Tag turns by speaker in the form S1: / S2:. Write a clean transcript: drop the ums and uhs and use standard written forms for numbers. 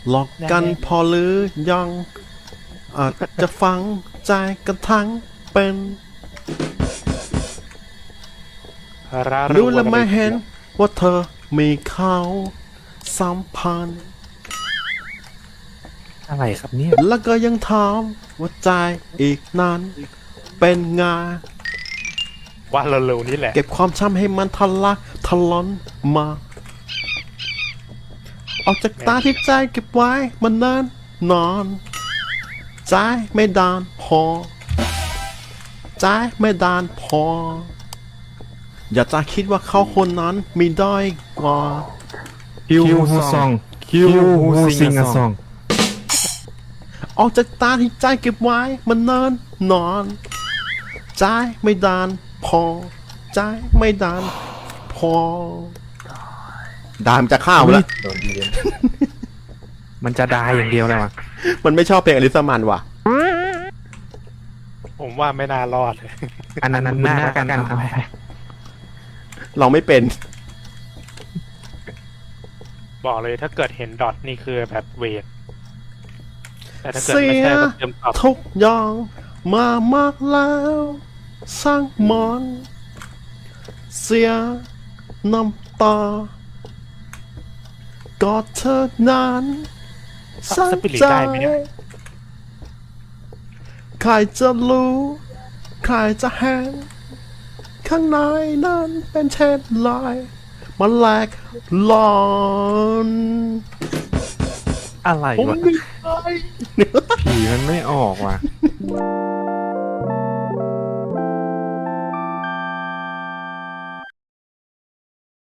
S1: หลอกกันพอหรือยังอาจจะฟังใจกันทั้งเป็นรู้และไม่เห็นว่าเธอมีเขาสัมพันธ์
S2: อะไรครับเนี่ย
S1: แล้วก็ยังถามว่าใจอีกนั้นเป็นไง
S3: ว่าเร็วๆนี้แหละ
S1: เก็บความช้ำให้มันทะลักทะล้นมา ออกจากตาที่ใจเก็บไว้มันเนิ่นนอนใจไม่ดานพอใจไม่ดานพอ อย่าจะคิดว่าเขาคนนั้นมีด้อยกว่า
S2: คิวฮูซองคิวฮูซิงอะซอง
S1: ออกจากตาที่ใจเก็บไว้มันเนิ่นนอนใจไม่ดานพอใจไม่ดานพอดามจะข้าวแล้ว
S2: มันจะดายอย่างเดียวเลยวะ
S1: มันไม่ชอบเพลงอลิซามันว่ะ
S3: ผมว่าไม่น่ารอดเลย
S2: อันนั้นหน้ากันเอาไป
S1: เราไม่เป็น
S3: บอกเลยถ้าเกิดเห็นดอทนี่คือแบบเวทแต่ถ้าเกิด
S1: เสี
S3: ไม่
S1: ย
S3: ใช่ก็เติมตอบ
S1: ทุกอย่างมามากแล้วสร้างมันเสียน้ำตากอดเธอนานสร้าง
S3: สปิริต
S1: ใจ
S3: ได้ไหมเนี่ย
S1: ใครจะรู้ ใครจะเห็นข้างในนั้นเป็นเช่นไรมันแหลกหลอน
S2: อะไร
S1: ผม
S2: วะ
S1: ไม่ไป
S2: ผีมันไม่ออกว่ะ